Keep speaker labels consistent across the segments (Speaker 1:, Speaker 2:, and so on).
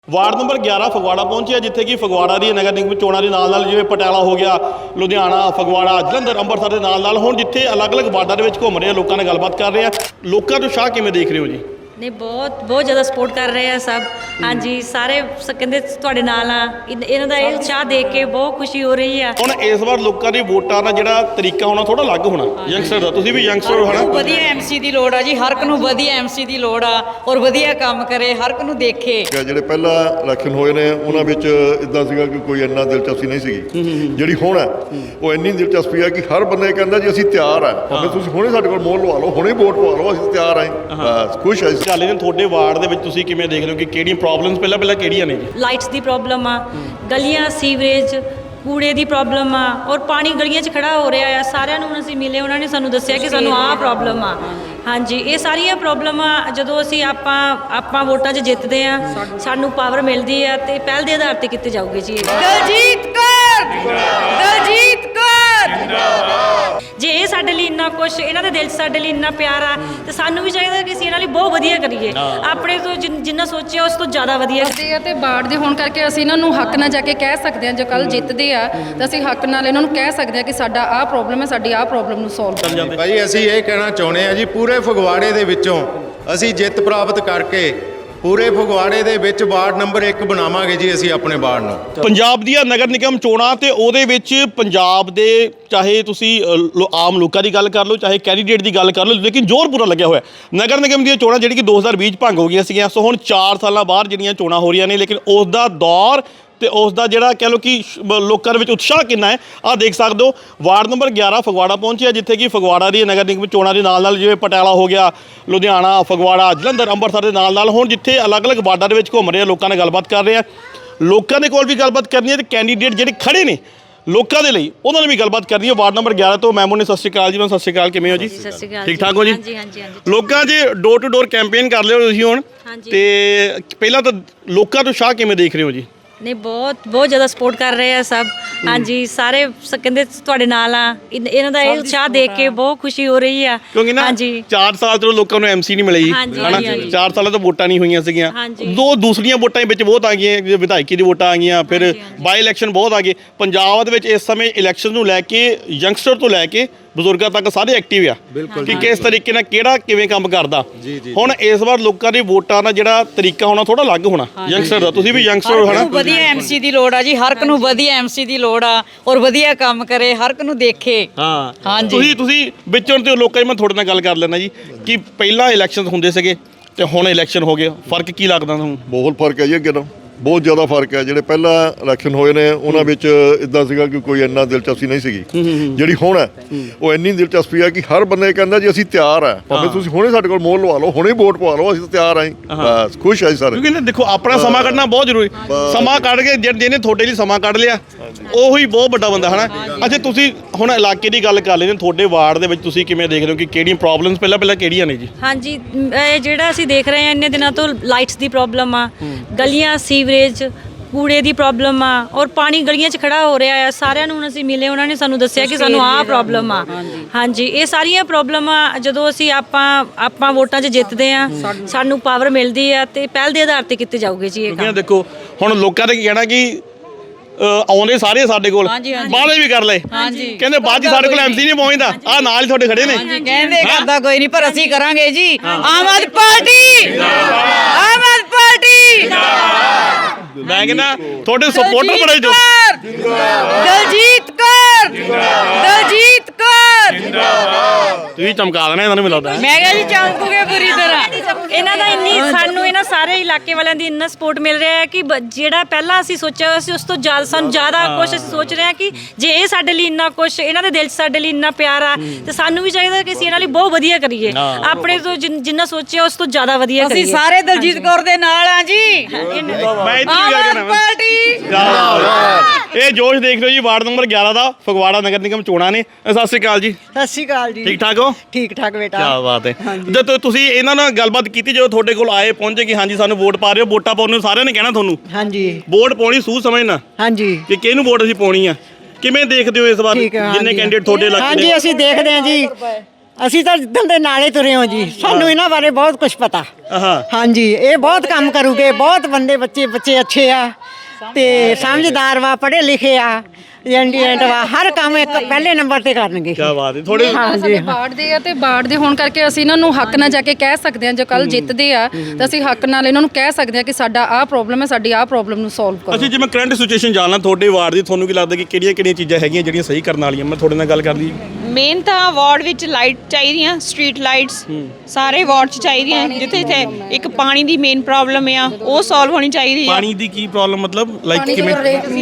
Speaker 1: Ward number 11 Phagwara ਪਹੁੰਚਿਆ ਜਿੱਥੇ ਕਿ ਫਗਵਾੜਾ ਦੀ ਨਗਰ ਨਿਗਮ ਚੋਣਾਂ ਦੇ ਨਾਲ ਜਿਵੇਂ ਪਟਿਆਲਾ ਹੋ ਗਿਆ, ਲੁਧਿਆਣਾ, ਫਗਵਾੜਾ, ਜਲੰਧਰ, ਅੰਮ੍ਰਿਤਸਰ ਦੇ ਨਾਲ ਹੁਣ ਜਿੱਥੇ ਅਲੱਗ-ਅਲੱਗ ਵਾਰਡਾਂ ਦੇ ਵਿੱਚ ਘੁੰਮ ਰਹੇ ਲੋਕਾਂ ਨਾਲ ਗੱਲਬਾਤ ਕਰ ਰਹੇ ਆ। ਲੋਕਾਂ ਤੋਂ ਉਤਸ਼ਾਹ ਕਿਵੇਂ ਦੇਖ ਰਹੇ ਹੋ ਜੀ?
Speaker 2: ਨਹੀਂ ਬਹੁਤ ਜ਼ਿਆਦਾ ਸਪੋਰਟ ਕਰ ਰਹੇ ਆ ਸਭ। ਹਾਂਜੀ, ਸਾਰੇ ਕਹਿੰਦੇ ਤੁਹਾਡੇ ਨਾਲ ਆ। ਇਹਨਾਂ ਦਾ ਇਹ ਉਤਸ਼ਾਹ ਦੇਖ ਕੇ ਬਹੁਤ ਖੁਸ਼ੀ ਹੋ ਰਹੀ ਆ।
Speaker 1: ਹੁਣ ਇਸ ਵਾਰ ਲੋਕਾਂ ਦੀ ਵੋਟਾਂ ਦਾ ਜਿਹੜਾ ਤਰੀਕਾ ਹੋਣਾ ਥੋੜਾ ਅਲੱਗ ਹੋਣਾ। ਯੰਗਸਟਰ ਦਾ, ਤੁਸੀਂ ਵੀ ਯੰਗਸਟਰ ਹੋ ਹਨਾ?
Speaker 3: ਵਧੀਆ ਐਮਸੀ ਦੀ ਲੋੜ ਆ ਜੀ, ਹਰ ਇੱਕ ਨੂੰ ਵਧੀਆ ਐਮਸੀ ਦੀ ਲੋੜ ਆ ਔਰ ਵਧੀਆ ਕੰਮ ਕਰੇ, ਹਰ ਇੱਕ ਨੂੰ ਦੇਖੇ।
Speaker 4: ਜਿਹੜੇ ਪਹਿਲਾਂ ਇਲੈਕਸ਼ਨ ਹੋਏ ਨੇ ਉਹਨਾਂ ਵਿੱਚ ਇਦਾਂ ਸੀਗਾ ਕਿ ਕੋਈ ਇੰਨਾ ਦਿਲਚਸਪੀ ਨਹੀਂ ਸੀਗੀ। ਜਿਹੜੀ ਹੁਣ ਹੈ ਉਹ ਇੰਨੀ ਦਿਲਚਸਪੀ ਹੈ ਕਿ ਹਰ ਬੰਦੇ ਕਹਿੰਦਾ ਜੀ ਅਸੀਂ ਤਿਆਰ ਆ, ਭਾਵੇਂ ਤੁਸੀਂ ਹੁਣੇ ਸਾਡੇ ਕੋਲ ਮੋਹਰ ਲਵਾ ਲਓ, ਹੁਣੇ ਵੋਟ ਪਵਾ ਲਓ, ਅਸੀਂ ਤਿਆਰ ਆ। ਬਸ ਖੁਸ਼ ਆ।
Speaker 1: ਚੱਲ ਨੇ ਤੁਹਾਡੇ ਵਾਰਡ ਦੇ ਵਿੱਚ ਤੁਸੀਂ ਕਿਵੇਂ ਦੇਖ ਰਹੇ ਹੋ ਕਿ ਕਿਹੜੀਆਂ ਪ੍ਰੋਬਲਮਸ ਪਹਿਲਾਂ ਕਿਹੜੀਆਂ ਨੇ ਜੀ?
Speaker 2: ਲਾਈਟਸ ਦੀ ਪ੍ਰੋਬਲਮ ਆ, ਗਲੀਆਂ, ਸੀਵਰੇਜ, ਕੂੜੇ ਦੀ ਪ੍ਰੋਬਲਮ ਆ ਔਰ ਪਾਣੀ ਗਲੀਆਂ 'ਚ ਖੜਾ ਹੋ ਰਿਹਾ ਆ। ਸਾਰਿਆਂ ਨੂੰ ਅਸੀਂ ਮਿਲੇ, ਉਹਨਾਂ ਨੇ ਸਾਨੂੰ ਦੱਸਿਆ ਕਿ ਸਾਨੂੰ ਆਹ ਪ੍ਰੋਬਲਮ ਆ। ਹਾਂਜੀ, ਇਹ ਸਾਰੀਆਂ ਪ੍ਰੋਬਲਮਾਂ ਜਦੋਂ ਅਸੀਂ ਆਪਾਂ ਵੋਟਾਂ 'ਚ ਜਿੱਤਦੇ ਆ, ਸਾਨੂੰ ਪਾਵਰ ਮਿਲਦੀ ਆ ਤੇ ਪਹਿਲ ਦੇ ਆਧਾਰ ਤੇ ਕੀਤੀ ਜਾਊਗੀ ਜੀ।
Speaker 3: ਦਲਜੀਤ ਕੌਰ, ਦਲਜੀਤ ਕੌਰ।
Speaker 2: ਜੇ ਇਹ ਸਾਡੇ ਲਈ ਇੰਨਾ ਕੁਛ, ਇਹਨਾਂ ਦੇ ਦਿਲ 'ਚ ਸਾਡੇ ਲਈ ਇੰਨਾ ਪਿਆਰ ਆ ਤੇ ਸਾਨੂੰ ਵੀ ਚਾਹੀਦਾ ਕਿ ਅਸੀਂ ਇਹਨਾਂ ਲਈ ਬਹੁਤ ਵਧੀਆ ਕਰੀਏ। ਆਪਣੇ ਤੋਂ ਜਿੰਨਾ ਸੋਚਿਆ ਉਸ ਤੋਂ ਜ਼ਿਆਦਾ ਵਧੀਆ
Speaker 5: ਕਰਦੇ ਆ ਤੇ ਬਾੜ ਦੇ ਹੋਣ ਕਰਕੇ ਅਸੀਂ ਇਹਨਾਂ ਨੂੰ ਹੱਕ ਨਾਲ ਜਾ ਕੇ ਕਹਿ ਸਕਦੇ ਹਾਂ। ਜੇ ਕੱਲ ਜਿੱਤਦੇ ਆ ਤਾਂ ਅਸੀਂ ਹੱਕ ਨਾਲ ਇਹਨਾਂ ਨੂੰ ਕਹਿ ਸਕਦੇ ਹਾਂ ਕਿ ਸਾਡਾ ਆਹ ਪ੍ਰੋਬਲਮ ਹੈ, ਸਾਡੀ ਆਹ ਪ੍ਰੋਬਲਮ ਨੂੰ ਸੋਲਵ।
Speaker 6: ਭਾਈ ਅਸੀਂ ਇਹ ਕਹਿਣਾ ਚਾਹੁੰਦੇ ਆ ਜੀ, ਪੂਰੇ ਫਗਵਾੜੇ ਦੇ ਵਿੱਚੋਂ ਅਸੀਂ ਜਿੱਤ ਪ੍ਰਾਪਤ ਕਰਕੇ ਪੂਰੇ ਫਗਵਾੜੇ ਦੇ ਵਿੱਚ ਵਾਰਡ ਨੰਬਰ 1 ਬਣਾਵਾਂਗੇ ਜੀ ਅਸੀਂ ਆਪਣੇ ਵਾਰਡ ਨੂੰ।
Speaker 1: ਪੰਜਾਬ ਦੀਆਂ ਨਗਰ ਨਿਗਮ ਚੋਣਾਂ ਤੇ ਉਹਦੇ ਵਿੱਚ ਪੰਜਾਬ ਦੇ ਚਾਹੇ ਤੁਸੀਂ ਆਮ ਲੋਕਾਂ ਦੀ ਗੱਲ ਕਰ ਲਓ, ਚਾਹੇ ਕੈਂਡੀਡੇਟ ਦੀ ਗੱਲ ਕਰ ਲਓ, ਲੇਕਿਨ ਜ਼ੋਰ ਪੂਰਾ ਲੱਗਿਆ ਹੋਇਆ। ਨਗਰ ਨਿਗਮ ਦੀਆਂ ਚੋਣਾਂ ਜਿਹੜੀ ਕਿ 2020 ਭੰਗ ਹੋ ਗਈਆਂ ਸੀਗੀਆਂ, ਸੋ ਹੁਣ 4 ਸਾਲਾਂ ਬਾਅਦ ਜਿਹੜੀਆਂ ਚੋਣਾਂ ਹੋ ਰਹੀਆਂ ਨੇ, ਲੇਕਿਨ ਉਸ ਦਾ ਦੌਰ ਤੇ ਉਸ ਦਾ ਜਿਹੜਾ ਕਹਿ ਲਓ ਕਿ ਲੋਕਾਂ ਦੇ ਵਿੱਚ ਉਤਸ਼ਾਹ ਕਿੰਨਾ ਹੈ ਆਹ ਦੇਖ ਸਕਦੇ ਹੋ। ਵਾਰਡ ਨੰਬਰ 11 ਫਗਵਾੜਾ ਪਹੁੰਚਿਆ ਜਿੱਥੇ ਕਿ ਫਗਵਾੜਾ ਦੀ ਨਗਰ ਨਿਗਮ ਚੋਣਾਂ ਦੇ ਨਾਲ ਜਿਵੇਂ ਪਟਿਆਲਾ ਹੋ ਗਿਆ, ਲੁਧਿਆਣਾ, ਫਗਵਾੜਾ, ਜਲੰਧਰ, ਅੰਮ੍ਰਿਤਸਰ ਦੇ ਨਾਲ ਹੁਣ ਜਿੱਥੇ ਅਲੱਗ-ਅਲੱਗ ਵਾਰਡਾਂ ਦੇ ਵਿੱਚ ਘੁੰਮ ਰਹੇ ਲੋਕਾਂ ਨਾਲ ਗੱਲਬਾਤ ਕਰ ਰਹੇ ਆ। ਲੋਕਾਂ ਦੇ ਕੋਲ ਵੀ ਗੱਲਬਾਤ ਕਰਨੀ ਹੈ ਤੇ ਕੈਂਡੀਡੇਟ ਜਿਹੜੇ ਖੜੇ ਨੇ ਲੋਕਾਂ ਦੇ ਲਈ ਉਹਨਾਂ ਨੇ ਵੀ ਗੱਲਬਾਤ ਕਰਨੀ ਹੈ। ਵਾਰਡ ਨੰਬਰ 11 ਤੋਂ ਮੈਮੂ ਨੇ ਸਤਿ ਸ਼੍ਰੀ ਅਕਾਲ ਜੀ। ਮੈਂ ਸਤਿ ਸ਼੍ਰੀ ਅਕਾਲ, ਕਿਵੇਂ ਹੋ ਜੀ?
Speaker 2: ਸਤਿ ਸ਼੍ਰੀ ਅਕਾਲ।
Speaker 1: ਠੀਕ ਠਾਕ ਹੋ ਜੀ?
Speaker 2: ਹਾਂਜੀ ਹਾਂਜੀ ਹਾਂਜੀ।
Speaker 1: ਲੋਕਾਂ 'ਚ ਡੋਰ ਟੂ ਡੋਰ ਕੈਂਪੇਨ ਕਰ ਲਿਓ ਤੁਸੀਂ ਹੁਣ, ਤੇ ਪਹਿਲਾਂ ਤਾਂ ਲੋਕਾਂ ਤੋਂ ਉਤਸ਼ਾਹ ਕਿਵੇਂ ਦੇਖ ਰਹੇ ਹੋ ਜੀ?
Speaker 2: ਨਹੀਂ ਬਹੁਤ ਜ਼ਿਆਦਾ ਸਪੋਰਟ ਕਰ ਰਹੇ ਆ ਸਭ। ਹਾਂਜੀ, ਸਾਰੇ ਕਹਿੰਦੇ ਤੁਹਾਡੇ ਨਾਲ ਆ। ਇਹਨਾਂ ਦਾ ਇਹ ਉਤਸ਼ਾਹ ਦੇਖ ਕੇ ਬਹੁਤ ਖੁਸ਼ੀ ਹੋ ਰਹੀ ਆ।
Speaker 1: ਕਿਉਂਕਿ ਨਾ 4 ਸਾਲ ਤੋਂ ਲੋਕਾਂ ਨੂੰ ਐਮਸੀ ਨਹੀਂ ਮਿਲੀ ਹਨਾ, 4 ਸਾਲਾਂ ਤੋਂ ਵੋਟਾਂ ਨਹੀਂ ਹੋਈਆਂ ਸੀਗੀਆਂ। ਦੋ ਦੂਸਰੀਆਂ ਵੋਟਾਂ ਵਿੱਚ ਬਹੁਤ ਆ ਗਈਆਂ, ਜਿਵੇਂ ਵਿਧਾਇਕੀ ਦੀ ਵੋਟਾਂ ਆ ਗਈਆਂ, ਫਿਰ ਬਾਈ ਇਲੈਕਸ਼ਨ ਬਹੁਤ ਆ ਗਏ। ਪੰਜਾਬ ਦੇ ਵਿੱਚ ਇਸ ਸਮੇਂ ਇਲੈਕਸ਼ਨ ਨੂੰ ਲੈ ਕੇ ਯੰਗਸਟਰ ਤੋਂ ਲੈ ਕੇ ਬਜ਼ੁਰਗਾਂ ਤੱਕ ਸਾਰੇ ਐਕਟਿਵ ਆ ਕਿ ਕਿਸ ਤਰੀਕੇ ਨਾਲ ਕਿਹੜਾ ਕਿਵੇਂ ਕੰਮ ਕਰਦਾ। ਹੁਣ ਇਸ ਵਾਰ ਲੋਕਾਂ ਦੀ ਵੋਟਾਂ ਦਾ ਜਿਹੜਾ ਤਰੀਕਾ ਹੋਣਾ ਥੋੜਾ ਅਲੱਗ ਹੋਣਾ। ਯੰਗਸਟਰ ਦਾ, ਤੁਸੀਂ ਵੀ ਯੰਗਸਟਰ ਹੋ ਹਨਾ?
Speaker 3: ਵਧੀਆ ਐਮਸੀ ਦੀ ਲੋੜ ਆ ਜੀ, ਹਰ ਇੱਕ ਨੂੰ ਵਧੀਆ ਐਮਸੀ ਦੀ ਲੋੜ ਆ ਔਰ ਵਧੀਆ ਕੰਮ ਕਰੇ, ਹਰ ਇੱਕ ਨੂੰ ਦੇਖੇ।
Speaker 1: ਹਾਂਜੀ, ਤੁਸੀਂ ਵਿੱਚੋਂ ਤੇ ਲੋਕਾਂ ਦੀ ਮੈਂ ਤੁਹਾਡੇ ਨਾਲ ਗੱਲ ਕਰ ਲੈਣਾ ਜੀ ਕਿ ਪਹਿਲਾਂ ਇਲੈਕਸ਼ਨ ਹੁੰਦੇ ਸੀਗੇ ਤੇ ਹੁਣ ਇਲੈਕਸ਼ਨ ਹੋ ਗਏ, ਫਰਕ ਕੀ ਲੱਗਦਾ ਤੁਹਾਨੂੰ?
Speaker 4: ਬਹੁਤ ਫਰਕ ਹੈ ਜੀ, ਅੱਗੇ ਨਾਲੋਂ ਬਹੁਤ ਜ਼ਿਆਦਾ ਫਰਕ ਹੈ। ਜਿਹੜੇ ਪਹਿਲਾਂ ਇਲੈਕਸ਼ਨ ਹੋਏ ਨੇ ਉਹਨਾਂ ਵਿੱਚ ਇਦਾਂ ਸੀਗਾ ਕਿ ਕੋਈ ਇੰਨਾ ਦਿਲਚਸਪੀ ਨਹੀਂ ਸੀਗੀ। ਜਿਹੜੀ ਹੁਣ ਹੈ ਉਹ ਇੰਨੀ ਦਿਲਚਸਪੀ ਹੈ ਕਿ ਹਰ ਬੰਦੇ ਕਹਿੰਦਾ ਜੀ ਅਸੀਂ ਤਿਆਰ ਆ, ਭਾਵੇਂ ਤੁਸੀਂ ਹੁਣੇ ਸਾਡੇ ਕੋਲ ਮੋਹਰ ਲਵਾ ਲਓ, ਹੁਣੇ ਵੋਟ ਪਵਾ ਲਓ, ਅਸੀਂ ਤਿਆਰ ਆ। ਬਸ ਖੁਸ਼ ਆ ਸਾਰੇ।
Speaker 1: ਕਿਉਂਕਿ ਦੇਖੋ ਆਪਣਾ ਸਮਾਂ ਕੱਢਣਾ ਬਹੁਤ ਜ਼ਰੂਰੀ। ਸਮਾਂ ਕੱਢ ਕੇ ਜਿਹਨੇ ਤੁਹਾਡੇ ਲਈ ਸਮਾਂ ਕੱਢ ਲਿਆ ਉਹੀ ਬਹੁਤ ਵੱਡਾ ਬੰਦਾ ਹਨਾ। ਅੱਛਾ, ਤੁਸੀਂ ਹੁਣ ਇਲਾਕੇ ਦੀ ਗੱਲ ਕਰ ਲੈਂਦੇ, ਤੁਹਾਡੇ ਵਾਰਡ ਦੇ ਵਿੱਚ ਤੁਸੀਂ ਕਿਵੇਂ ਦੇਖ ਰਹੇ ਹੋ ਕਿ ਕਿਹੜੀਆਂ ਪ੍ਰੋਬਲਮਸ ਪਹਿਲਾਂ ਕਿਹੜੀਆਂ ਨੇ ਜੀ?
Speaker 2: ਹਾਂਜੀ, ਜਿਹੜਾ ਅਸੀਂ ਦੇਖ ਰਹੇ ਹਾਂ ਇੰਨੇ ਦਿਨਾਂ ਤੋਂ, ਲਾਈਟਸ ਦੀ ਪ੍ਰੋਬਲਮ ਆ, ਗਲੀਆਂ, ਸੀਵਰੇਜ, ਕੂੜੇ ਦੀ ਪ੍ਰੋਬਲਮ ਆ ਔਰ ਪਾਣੀ ਗਲੀਆਂ 'ਚ ਖੜਾ ਹੋ ਰਿਹਾ ਆ। ਸਾਰਿਆਂ ਨੂੰ ਅਸੀਂ ਮਿਲੇ, ਉਹਨਾਂ ਨੇ ਸਾਨੂੰ ਦੱਸਿਆ ਕਿ ਸਾਨੂੰ ਆਹ ਪ੍ਰੋਬਲਮ ਆ। ਹਾਂਜੀ, ਇਹ ਸਾਰੀਆਂ ਪ੍ਰੋਬਲਮਾਂ ਜਦੋਂ ਅਸੀਂ ਆਪਾਂ ਵੋਟਾਂ 'ਚ ਜਿੱਤਦੇ ਆ, ਸਾਨੂੰ ਪਾਵਰ ਮਿਲਦੀ ਆ ਤੇ ਪਹਿਲ ਦੇ ਆਧਾਰ ਤੇ ਕੀਤੀ ਜਾਊਗੀ ਜੀ ਇਹ ਕੰਮ।
Speaker 1: ਦੇਖੋ ਹੁਣ ਲੋਕਾਂ ਨੇ ਕੀ ਕਹਿਣਾ ਕਿ ਆਉਂਦੇ ਸਾਰੇ ਸਾਡੇ ਕੋਲ, ਵਾਅਦੇ ਵੀ ਕਰ ਲਏ, ਕਹਿੰਦੇ ਬਾਅਦ 'ਚ ਸਾਡੇ ਕੋਲ ਐਮਸੀ ਨਹੀਂ ਪਹੁੰਚਦਾ। ਆਹ ਨਾਲ ਹੀ ਤੁਹਾਡੇ ਖੜੇ ਨੇ।
Speaker 3: ਕਹਿੰਦੇ ਕਰਦਾ ਕੋਈ ਨਹੀਂ ਪਰ ਅਸੀਂ ਕਰਾਂਗੇ ਜੀ। Aam Aadmi party, Aam Aadmi party.
Speaker 1: ਮੈਂ ਕਹਿੰਦਾ ਤੁਹਾਡੇ ਸਪੋਰਟਰ ਬੜੇ ਜੋ।
Speaker 3: ਦਲਜੀਤ ਕੌਰ, ਦਲਜੀਤ ਕੌਰ।
Speaker 1: ਤੁਸੀਂ ਚਮਕਾ ਦੇਣਾ ਇਹਨਾਂ ਨੂੰ, ਮੈਨੂੰ ਲੱਗਦਾ।
Speaker 3: ਮੈਂ ਕਿਹਾ ਜੀ ਚਮਕੂਗੇ ਪੂਰੀ ਤਰ੍ਹਾਂ।
Speaker 2: ਇਹਨਾਂ ਦਾ ਸਾਨੂੰ ਇਹਨਾਂ ਸਾਰੇ ਇਲਾਕੇ ਵਾਲਿਆਂ ਦੀ ਇੰਨਾ ਸਪੋਰਟ ਮਿਲ ਰਿਹਾ ਹੈ ਕਿ ਜਿਹੜਾ ਪਹਿਲਾਂ ਅਸੀਂ ਸੋਚਿਆ ਸੀ ਉਸ ਤੋਂ ਜ਼ਿਆਦਾ ਸਾਨੂੰ ਜ਼ਿਆਦਾ ਕੁਛ ਅਸੀਂ ਸੋਚ ਰਹੇ ਹਾਂ ਕਿ ਜੇ ਇਹ ਸਾਡੇ ਲਈ ਇੰਨਾ ਕੁਛ, ਇਹਨਾਂ ਦੇ ਦਿਲ 'ਚ ਸਾਡੇ ਲਈ ਇੰਨਾ ਪਿਆਰ ਆ ਤੇ ਸਾਨੂੰ ਵੀ ਚਾਹੀਦਾ ਕਿ ਅਸੀਂ ਇਹਨਾਂ ਲਈ ਬਹੁਤ ਵਧੀਆ ਕਰੀਏ। ਆਪਣੇ ਤੋਂ ਜਿੰਨਾ ਸੋਚਿਆ ਉਸ ਤੋਂ ਜ਼ਿਆਦਾ ਵਧੀਆ ਕਰੀਏ।
Speaker 3: ਅਸੀਂ ਸਾਰੇ ਦਲਜੀਤ ਕੌਰ ਦੇ ਨਾਲ ਆ ਜੀ।
Speaker 1: ਇਹ ਜੋਸ਼ ਦੇਖ ਲਓ ਜੀ, ਵਾਰਡ ਨੰਬਰ 11 ਦਾ ਫਗਵਾੜਾ ਨਗਰ ਨਿਗਮ ਚੋਣਾਂ ਨੇ। ਸਤਿ ਸ਼੍ਰੀ ਅਕਾਲ ਜੀ।
Speaker 7: ਸਤਿ ਸ਼੍ਰੀ ਅਕਾਲ ਜੀ।
Speaker 1: ਠੀਕ ਠਾਕ ਹੋ?
Speaker 7: ਠੀਕ ਠਾਕ ਬੇਟਾ।
Speaker 1: ਕੀ ਬਾਤ ਹੈ। ਜਦੋਂ ਤੁਸੀਂ ਇਹਨਾਂ ਨਾਲ ਗੱਲਬਾਤ ਕੀਤੀ, ਜਦੋਂ ਤੁਹਾਡੇ ਕੋਲ ਆਏ ਪਹੁੰਚੇ ਕਿ ਹਾਂਜੀ ਸਾਨੂੰ ਵੋਟ ਪਾ ਰਹੇ ਹੋ, ਵੋਟਾਂ ਪਾਉਣ ਨੂੰ ਸਾਰਿਆਂ ਨੇ ਕਹਿਣਾ ਤੁਹਾਨੂੰ
Speaker 7: ਹਾਂਜੀ
Speaker 1: ਵੋਟ ਪਾਉਣੀ ਸੂਝ ਸਮਝਣਾ
Speaker 7: ਹਾਂਜੀ
Speaker 1: ਕਿ ਕਿਹਨੂੰ ਵੋਟ ਅਸੀਂ ਪਾਉਣੀ ਆ। ਕਿਵੇਂ ਦੇਖਦੇ ਹੋ ਇਸ ਵਾਰ ਜਿੰਨੇ ਕੈਂਡੀਡੇਟ ਤੁਹਾਡੇ ਇਲਾਕੇ ਦੇ?
Speaker 7: ਹਾਂਜੀ, ਅਸੀਂ ਦੇਖਦੇ ਹਾਂ ਜੀ। ਅਸੀਂ ਤਾਂ ਜਿੱਦਣ ਦੇ ਨਾਲੇ ਤੁਰੇ ਹਾਂ ਜੀ, ਸਾਨੂੰ ਇਹਨਾਂ ਬਾਰੇ ਬਹੁਤ ਕੁਝ ਪਤਾ।
Speaker 1: ਹਾਂ
Speaker 7: ਹਾਂਜੀ, ਇਹ ਬਹੁਤ ਕੰਮ ਕਰੂਗੇ, ਬਹੁਤ ਬੱਚੇ ਅੱਛੇ ਆ ਤੇ ਸਮਝਦਾਰ ਵਾ, ਪੜ੍ਹੇ ਲਿਖੇ ਆ, ਇੰਟੈਲੀਜੈਂਟ ਵਾ, ਹਰ ਕੰਮ ਇੱਕ ਪਹਿਲੇ ਨੰਬਰ ਤੇ ਕਰਨਗੇ।
Speaker 1: ਕੀ ਬਾਤ ਹੈ। ਥੋੜੇ
Speaker 5: ਸਾਡੇ ਬਾੜ ਦੇ ਆ ਤੇ ਬਾੜ ਦੇ ਹੋਣ ਕਰਕੇ ਅਸੀਂ ਇਹਨਾਂ ਨੂੰ ਹੱਕ ਨਾਲ ਜਾ ਕੇ ਕਹਿ ਸਕਦੇ ਹਾਂ, ਜੇ ਕੱਲ ਜਿੱਤਦੇ ਆ ਤਾਂ ਅਸੀਂ ਹੱਕ ਨਾਲ ਇਹਨਾਂ ਨੂੰ ਕਹਿ ਸਕਦੇ ਹਾਂ ਕਿ ਸਾਡਾ ਆਹ ਪ੍ਰੋਬਲਮ ਹੈ, ਸਾਡੀ ਆਹ ਪ੍ਰੋਬਲਮ ਨੂੰ ਸੋਲਵ ਕਰੋ।
Speaker 1: ਅਸੀਂ ਜਿਵੇਂ ਕਰੰਟ ਸਿਚੁਏਸ਼ਨ ਜਾਣਨਾ ਤੁਹਾਡੇ ਵਾਰਡ ਦੀ, ਤੁਹਾਨੂੰ ਕੀ ਲੱਗਦਾ ਕਿ ਕਿਹੜੀਆਂ ਚੀਜ਼ਾਂ ਹੈਗੀਆਂ ਜਿਹੜੀਆਂ ਸਹੀ ਕਰਨ ਵਾਲੀਆਂ? ਮੈਂ ਤੁਹਾਡੇ ਨਾਲ ਗੱਲ ਕਰਦੀ।
Speaker 8: ਮੇਨ ਤਾਂ ਵਾਰਡ ਵਿੱਚ ਲਾਈਟ ਚਾਹੀਦੀਆਂ, ਸਟਰੀਟ ਲਾਈਟਸ ਸਾਰੇ ਵਾਰਡ 'ਚ ਚਾਹੀਦੀਆਂ। ਜਿੱਥੇ ਇੱਕ ਪਾਣੀ ਦੀ ਮੇਨ ਪ੍ਰੋਬਲਮ ਆ, ਉਹ ਸੋਲਵ ਹੋਣੀ ਚਾਹੀਦੀ ਆ।
Speaker 1: ਪਾਣੀ ਦੀ ਕੀ ਪ੍ਰੋਬਲਮ, ਮਤਲਬ ਲਾਈਕ ਕਿਵੇਂ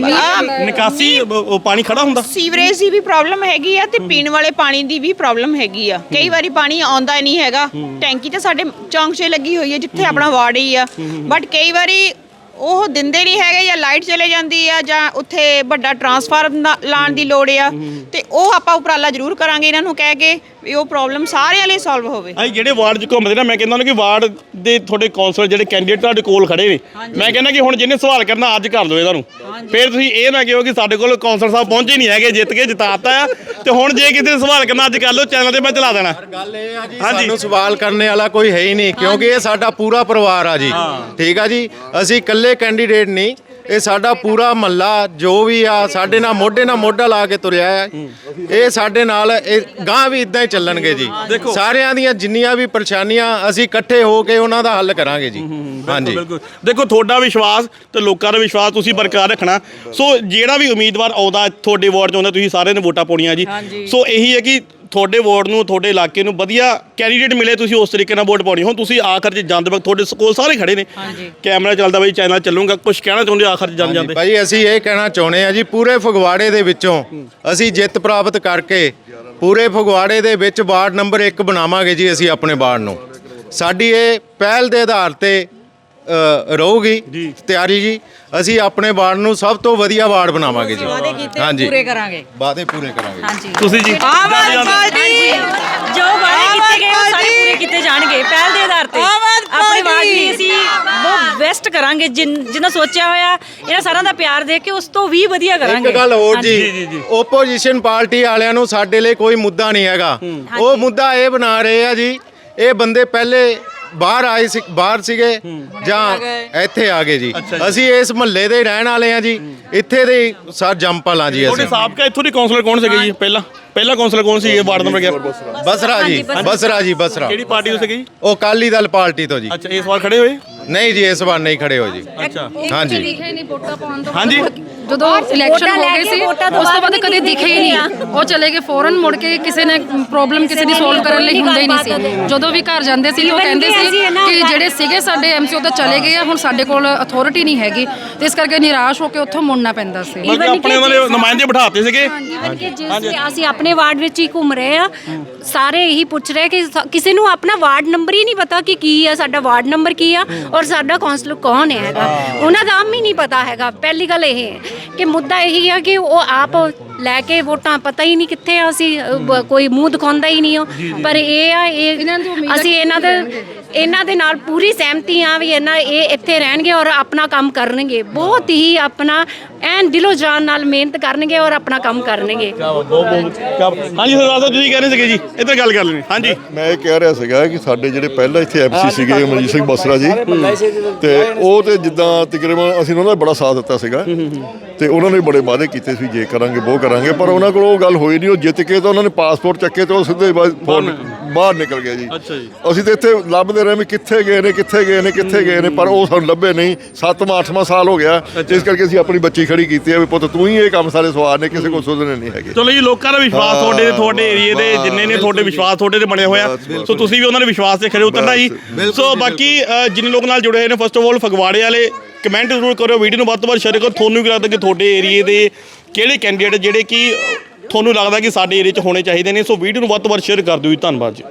Speaker 1: ਨਿਕਾਸੀ ਉਹ ਪਾਣੀ ਖੜਾ ਹੁੰਦਾ?
Speaker 8: ਸੀਵਰੇਜ ਦੀ ਵੀ ਪ੍ਰੋਬਲਮ ਹੈਗੀ ਆ ਤੇ ਪੀਣ ਵਾਲੇ ਪਾਣੀ ਦੀ ਵੀ ਪ੍ਰੋਬਲਮ ਹੈਗੀ ਆ। ਕਈ ਵਾਰੀ ਪਾਣੀ ਆਉਂਦਾ ਹੀ ਨਹੀਂ ਹੈਗਾ। ਟੈਂਕੀ ਤਾਂ ਸਾਡੇ ਚੌਂਕ 'ਚ ਲੱਗੀ ਹੋਈ ਹੈ ਜਿੱਥੇ ਆਪਣਾ ਵਾਰਡ ਹੀ ਆ, ਬਟ ਕਈ ਵਾਰੀ ਉਹ ਦਿੰਦੇ ਨਹੀਂ ਹੈਗੇ, ਜਾਂ ਲਾਈਟ ਚਲੇ ਜਾਂਦੀ ਆ, ਜਾਂ ਉੱਥੇ ਵੱਡਾ ਟਰਾਂਸਫਾਰਮ ਲਾਉਣ ਦੀ ਲੋੜ ਆ। ਤੇ ਉਹ ਆਪਾਂ ਉਪਰਾਲਾ ਜ਼ਰੂਰ ਕਰਾਂਗੇ ਇਹਨਾਂ ਨੂੰ ਕਹਿ ਕੇ ਵੀ ਉਹ ਪ੍ਰੋਬਲਮ ਸਾਰਿਆਂ ਲਈ ਸੋਲਵ ਹੋਵੇ।
Speaker 1: ਅਸੀਂ ਜਿਹੜੇ ਵਾਰਡ 'ਚ ਘੁੰਮਦੇ ਨਾ, ਮੈਂ ਕਹਿੰਦਾ ਉਹਨਾਂ ਕਿ ਵਾਰਡ ਦੇ ਤੁਹਾਡੇ ਕੌਂਸਲਰ ਜਿਹੜੇ ਕੈਂਡੀਡੇਟ ਤੁਹਾਡੇ ਕੋਲ ਖੜੇ ਨੇ, ਮੈਂ ਕਹਿੰਦਾ ਕਿ ਹੁਣ ਜਿਹਨੇ ਸਵਾਲ ਕਰਨਾ ਅੱਜ ਕਰ ਲਓ ਇਹਨਾਂ ਨੂੰ। ਫਿਰ ਤੁਸੀਂ ਇਹ ਨਾ ਕਿਹੋ ਕਿ ਸਾਡੇ ਕੋਲ ਕੌਂਸਲਰ ਸਾਹਿਬ ਪਹੁੰਚੇ ਨਹੀਂ ਹੈਗੇ, ਜਿੱਤ ਕੇ ਜਿਤਾਤਾ ਆ, ਤੇ ਹੁਣ ਜੇ ਕਿਸੇ ਨੇ ਸਵਾਲ ਕਰਨਾ ਅੱਜ ਕਰ ਲਓ, ਚੈਨਲ ਤੇ ਮੈਂ ਚਲਾ ਦੇਣਾ।
Speaker 6: ਗੱਲ ਇਹ ਆ ਜੀ, ਸਾਨੂੰ ਸਵਾਲ ਕਰਨ ਵਾਲਾ ਕੋਈ ਹੈ ਹੀ ਨਹੀਂ, ਕਿਉਂਕਿ ਇਹ ਸਾਡਾ ਪੂਰਾ ਪਰਿਵਾਰ ਆ ਜੀ। ਠੀਕ ਆ ਜੀ, ਅਸੀਂ ਇਕੱਲੇ ਕੈਂਡੀਡੇਟ ਨਹੀਂ, ਇਹ ਸਾਡਾ ਪੂਰਾ ਮਹੱਲਾ ਜੋ ਵੀ ਆ ਸਾਡੇ ਨਾਲ ਮੋਢਾ ਲਾ ਕੇ ਤੁਰਿਆ ਆ। ਇਹ ਸਾਡੇ ਨਾਲ ਗਾਂ ਵੀ ਇਦਾਂ ਹੀ ਚੱਲਣਗੇ ਜੀ। ਸਾਰਿਆਂ ਦੀਆਂ ਜਿੰਨੀਆਂ ਵੀ ਪਰੇਸ਼ਾਨੀਆਂ ਅਸੀਂ ਇਕੱਠੇ ਹੋ ਕੇ ਉਹਨਾਂ ਦਾ ਹੱਲ ਕਰਾਂਗੇ ਜੀ। ਹਾਂਜੀ,
Speaker 1: ਬਿਲਕੁਲ। ਦੇਖੋ ਤੁਹਾਡਾ ਵਿਸ਼ਵਾਸ ਤੇ ਲੋਕਾਂ ਦਾ ਵਿਸ਼ਵਾਸ ਤੁਸੀਂ ਬਰਕਰਾਰ ਰੱਖਣਾ। ਸੋ ਜਿਹੜਾ ਵੀ ਉਮੀਦਵਾਰ ਆਉਂਦਾ ਤੁਹਾਡੇ ਵਾਰਡ 'ਚ ਆਉਂਦਾ, ਤੁਸੀਂ ਸਾਰਿਆਂ ਨੇ ਵੋਟਾਂ ਪਾਉਣੀਆਂ ਜੀ। ਸੋ ਇਹੀ ਹੈ ਕਿ ਤੁਹਾਡੇ ਵਾਰਡ ਨੂੰ, ਤੁਹਾਡੇ ਇਲਾਕੇ ਨੂੰ ਵਧੀਆ ਕੈਂਡੀਡੇਟ ਮਿਲੇ, ਤੁਸੀਂ ਉਸ ਤਰੀਕੇ ਨਾਲ ਵੋਟ ਪਾਉਣੀ। ਹੁਣ ਤੁਸੀਂ ਆਖਰ 'ਚ ਜਾਂਦੇ ਵਕਤ ਤੁਹਾਡੇ ਕੋਲ ਸਾਰੇ ਖੜੇ ਨੇ, ਕੈਮਰਾ ਚੱਲਦਾ ਬਾਈ, ਚੈਨਲ ਚੱਲੂਗਾ, ਕੁਝ ਕਹਿਣਾ ਚਾਹੁੰਦੇ ਆਖਰ 'ਚ ਜਾਂਦੇ?
Speaker 6: ਭਾਈ ਅਸੀਂ ਇਹ ਕਹਿਣਾ ਚਾਹੁੰਦੇ ਆ ਜੀ, ਪੂਰੇ ਫਗਵਾੜੇ ਦੇ ਵਿੱਚੋਂ ਅਸੀਂ ਜਿੱਤ ਪ੍ਰਾਪਤ ਕਰਕੇ ਪੂਰੇ ਫਗਵਾੜੇ ਦੇ ਵਿੱਚ ਵਾਰਡ ਨੰਬਰ 1 ਬਣਾਵਾਂਗੇ ਜੀ। ਅਸੀਂ ਆਪਣੇ ਵਾਰਡ ਨੂੰ, ਸਾਡੀ ਇਹ ਪਹਿਲ ਦੇ ਆਧਾਰ ਤੇ ਰਹੂਗੀ ਤਿਆਰੀ ਜੀ। ਅਸੀਂ ਆਪਣੇ ਵਾਰਡ ਨੂੰ ਸਭ ਤੋਂ ਵਧੀਆ ਵਾਰਡ ਬਣਾਵਾਂਗੇ ਜੀ। ਹਾਂਜੀ,
Speaker 3: ਪੂਰੇ ਕਰਾਂਗੇ,
Speaker 6: ਵਾਅਦੇ ਪੂਰੇ ਕਰਾਂਗੇ।
Speaker 1: ਤੁਸੀਂ ਜੀ
Speaker 2: ਆਮ ਆਦਮੀ ਪਾਰਟੀ ਜੋ ਵਾਅਦੇ ਕੀਤੇ ਗਏ ਉਹ ਸਾਰੇ ਪੂਰੇ ਕੀਤੇ ਜਾਣਗੇ ਪਹਿਲ ਦੇ ਆਧਾਰ ਤੇ। ਆਪਣੇ ਵਾਰਡ ਲਈ ਅਸੀਂ ਬਹੁਤ ਬੈਸਟ ਕਰਾਂਗੇ, ਜਿੰਨਾ ਸੋਚਿਆ ਹੋਇਆ ਇਹਨਾਂ ਸਾਰਿਆਂ ਦਾ ਪਿਆਰ ਦੇ ਕੇ ਉਸ ਤੋਂ ਵੀ ਵਧੀਆ ਕਰਾਂਗੇ।
Speaker 6: ਇੱਕ ਗੱਲ ਹੋਰ ਜੀ, ਓਪੋਜੀਸ਼ਨ ਪਾਰਟੀ ਵਾਲਿਆਂ ਨੂੰ ਸਾਡੇ ਲਈ ਕੋਈ ਮੁੱਦਾ ਨਹੀਂ ਹੈਗਾ। ਉਹ ਮੁੱਦਾ ਇਹ ਬਣਾ ਰਹੇ ਆ ਜੀ, ਇਹ ਬੰਦੇ ਪਹਿਲੇ ਬਾਹਰ ਸੀਗੇ ਜਾਂ ਇੱਥੇ ਆ ਗਏ ਜੀ। ਅਸੀਂ ਇਸ ਮਹੱਲੇ ਦੇ ਰਹਿਣ ਵਾਲੇ ਆ ਜੀ, ਇੱਥੇ ਦੇ ਸਰ ਜੰਪਲ ਆ ਜੀ।
Speaker 1: ਤੁਹਾਡੇ ਸਾਬਕਾ ਇੱਥੋਂ ਦੇ ਕੌਂਸਲਰ ਕੌਣ ਸੀਗੇ ਜੀ? ਪਹਿਲਾ ਕੌਂਸਲਰ ਕੌਣ ਸੀ ਇਹ ਵਾਰਡ ਨੰਬਰ 11?
Speaker 6: ਬਸਰਾ ਜੀ।
Speaker 1: ਕਿਹੜੀ ਪਾਰਟੀ ਤੋਂ ਸੀਗੇ ਜੀ?
Speaker 6: ਉਹ ਅਕਾਲੀ ਦਲ ਪਾਰਟੀ ਤੋਂ ਜੀ।
Speaker 1: ਅੱਛਾ, ਇਸ ਵਾਰ ਖੜੇ ਹੋਏ?
Speaker 6: ਨਹੀਂ ਜੀ, ਇਸ ਵਾਰ ਨਹੀਂ ਖੜੇ ਹੋ ਜੀ।
Speaker 1: ਅੱਛਾ,
Speaker 6: ਹਾਂਜੀ।
Speaker 5: ਦਿਖੇ ਨਹੀਂ ਵੋਟਾਂ ਪਾਉਣ ਤੋਂ
Speaker 1: ਹਾਂਜੀ।
Speaker 5: ਜਦੋਂ ਇਲੈਕਸ਼ਨ ਹੋ ਗਏ ਸੀ ਉਸ ਤੋਂ ਬਾਅਦ ਕਦੇ ਦਿਖੇ ਹੀ ਨਹੀਂ। ਉਹ ਚਲੇ ਗਏ ਫੌਰਨ, ਮੁੜ ਕੇ ਕਿਸੇ ਨੇ ਪ੍ਰੋਬਲਮ ਕਿਸੇ ਦੀ ਸੋਲਵ ਕਰਨ ਲਈ ਹੁੰਦੇ ਹੀ ਨਹੀਂ ਸੀ। ਜਦੋਂ ਵੀ ਘਰ ਜਾਂਦੇ ਸੀ ਉਹ ਕਹਿੰਦੇ ਸੀ ਕਿ ਜਿਹੜੇ ਸੀਗੇ ਸਾਡੇ ਐਮਸੀਓ ਤਾਂ ਚਲੇ ਗਏ ਆ, ਹੁਣ ਸਾਡੇ ਕੋਲ ਅਥਾਰਟੀ ਨਹੀਂ ਹੈਗੀ, ਤੇ ਇਸ ਕਰਕੇ ਨਿਰਾਸ਼ ਹੋ ਕੇ ਉੱਥੋਂ ਮੁੜਨਾ ਪੈਂਦਾ ਸੀ।
Speaker 1: ਆਪਣੇ ਉਹਨਾਂ ਦੇ ਨੁਮਾਇੰਦੇ ਬਿਠਾਤੇ ਸੀਗੇ।
Speaker 9: ਅਸੀਂ ਆਪਣੇ ਵਾਰਡ ਵਿੱਚ ਹੀ ਘੁੰਮ ਰਹੇ ਆ, ਸਾਰੇ ਇਹੀ ਪੁੱਛ ਰਹੇ ਕਿ ਕਿਸੇ ਨੂੰ ਆਪਣਾ ਵਾਰਡ ਨੰਬਰ ਹੀ ਨਹੀਂ ਪਤਾ ਕਿ ਕੀ ਆ, ਸਾਡਾ ਵਾਰਡ ਨੰਬਰ ਕੀ ਆ ਔਰ ਸਾਡਾ ਕੌਂਸਲਰ ਕੌਣ ਹੈਗਾ, ਉਹਨਾਂ ਦਾ ਆਮ ਹੀ ਨਹੀਂ ਪਤਾ ਹੈਗਾ। ਪਹਿਲੀ ਗੱਲ ਇਹ ਹੈ ਕਿ ਮੁੱਦਾ ਇਹੀ ਆ ਕਿ ਉਹ ਆਪ ਲੈ ਕੇ ਵੋਟਾਂ ਪਤਾ ਹੀ ਨਹੀਂ ਕਿੱਥੇ ਆ, ਅਸੀਂ ਕੋਈ ਮੂੰਹ ਦਿਖਾਉਂਦਾ ਹੀ ਨਹੀਂ ਹੋ। ਪਰ ਇਹ ਆ, ਅਸੀਂ ਇਹਨਾਂ ਦੇ ਨਾਲ ਪੂਰੀ ਸਹਿਮਤੀ ਆ ਵੀ ਇਹ ਇੱਥੇ ਰਹਿਣਗੇ ਔਰ ਆਪਣਾ ਕੰਮ ਕਰਨਗੇ, ਬਹੁਤ ਹੀ ਆਪਣਾ ਐਨ ਦਿਲੋਂ ਜਾਨ ਨਾਲ ਮਿਹਨਤ ਕਰਨਗੇ ਔਰ ਆਪਣਾ ਕੰਮ ਕਰਨਗੇ।
Speaker 1: ਹਾਂਜੀ ਸਰਦਾਰ ਸਾਹਿਬ, ਤੁਸੀਂ ਕਹਿ ਰਹੇ ਸੀਗੇ ਜੀ, ਇੱਧਰ ਗੱਲ ਕਰ ਲੈਣੀ। ਹਾਂਜੀ,
Speaker 4: ਮੈਂ ਇਹ ਕਹਿ ਰਿਹਾ ਸੀਗਾ ਕਿ ਸਾਡੇ ਜਿਹੜੇ ਪਹਿਲਾਂ ਇੱਥੇ ਐਮਸੀ ਸੀਗੇ ਮਨਜੀਤ ਸਿੰਘ ਬਸਰਾ ਜੀ, ਤੇ ਉਹ ਤੇ ਜਿੱਦਾਂ ਤਕਰੀਬਨ ਅਸੀਂ ਉਹਨਾਂ ਦਾ ਬੜਾ ਸਾਥ ਦਿੱਤਾ ਸੀਗਾ, ਤੇ ਉਹਨਾਂ ਨੇ ਬੜੇ ਵਾਅਦੇ ਕੀਤੇ ਸੀ ਜੇ ਕਰਾਂਗੇ ਉਹ ਕਰਾਂਗੇ, ਪਰ ਉਹਨਾਂ ਕੋਲ ਉਹ ਗੱਲ ਹੋਈ ਨਹੀਂ। ਉਹ ਜਿੱਤ ਕੇ ਤਾਂ ਉਹਨਾਂ ਨੇ ਪਾਸਪੋਰਟ ਚੱਕੇ ਤੇ ਉਹ ਸਿੱਧੇ ਬਾਹਰ ਨਿਕਲ ਗਏ ਜੀ। ਅਸੀਂ ਤਾਂ ਇੱਥੇ ਲੱਭਦੇ ਰਹੇ ਵੀ ਕਿੱਥੇ ਗਏ ਨੇ, ਪਰ ਉਹ ਸਾਨੂੰ ਲੱਭੇ ਨਹੀਂ। 7ਵਾਂ 8ਵਾਂ ਸਾਲ ਹੋ ਗਿਆ, ਇਸ ਕਰਕੇ ਅਸੀਂ ਆਪਣੀ ਬੱਚੀ ਖੜੀ ਕੀਤੀ ਹੈ ਵੀ ਪੁੱਤ ਤੂੰ ਹੀ ਇਹ ਕੰਮ ਸਾਰੇ ਸਵਾਰ ਨੇ, ਕਿਸੇ ਕੋਲ ਸੁਧਰਨੇ ਨਹੀਂ ਹੈਗੇ।
Speaker 1: ਚਲੋ ਜੀ, ਲੋਕਾਂ ਦਾ ਵਿਸ਼ਵਾਸ ਤੁਹਾਡੇ ਏਰੀਏ ਦੇ ਜਿੰਨੇ ਨੇ, ਤੁਹਾਡੇ ਵਿਸ਼ਵਾਸ ਤੁਹਾਡੇ ਤੇ ਬਣਿਆ ਹੋਇਆ, ਸੋ ਤੁਸੀਂ ਵੀ ਉਹਨਾਂ ਦੇ ਵਿਸ਼ਵਾਸ ਤੇ ਖੜੇ ਉਤਰਨਾ ਜੀ। ਸੋ ਬਾਕੀ ਜਿੰਨੇ ਲੋਕ ਨਾਲ ਜੁੜੇ ਹੋਏ ਨੇ, ਫਸਟ ਆਫ ਆਲ ਫਗਵਾੜੇ ਵਾਲੇ ਕਮੈਂਟ ਜ਼ਰੂਰ ਕਰਿਓ, ਵੀਡੀਓ ਨੂੰ ਵੱਧ ਤੋਂ ਵੱਧ ਸ਼ੇਅਰ ਕਰੋ। ਤੁਹਾਨੂੰ ਕੀ ਲੱਗਦਾ ਕਿ ਤੁਹਾਡੇ ਏਰੀਏ ਦੇ ਕਿਹੜੇ ਕੈਂਡੀਡੇਟ ਜਿਹੜੇ ਕਿ ਤੁਹਾਨੂੰ ਲੱਗਦਾ ਕਿ ਸਾਡੇ ਏਰੀਏ 'ਚ ਹੋਣੇ ਚਾਹੀਦੇ ਨੇ? ਸੋ ਵੀਡੀਓ ਨੂੰ ਵੱਧ ਤੋਂ ਵੱਧ ਸ਼ੇਅਰ ਕਰ ਦਿਓ ਜੀ। ਧੰਨਵਾਦ ਜੀ।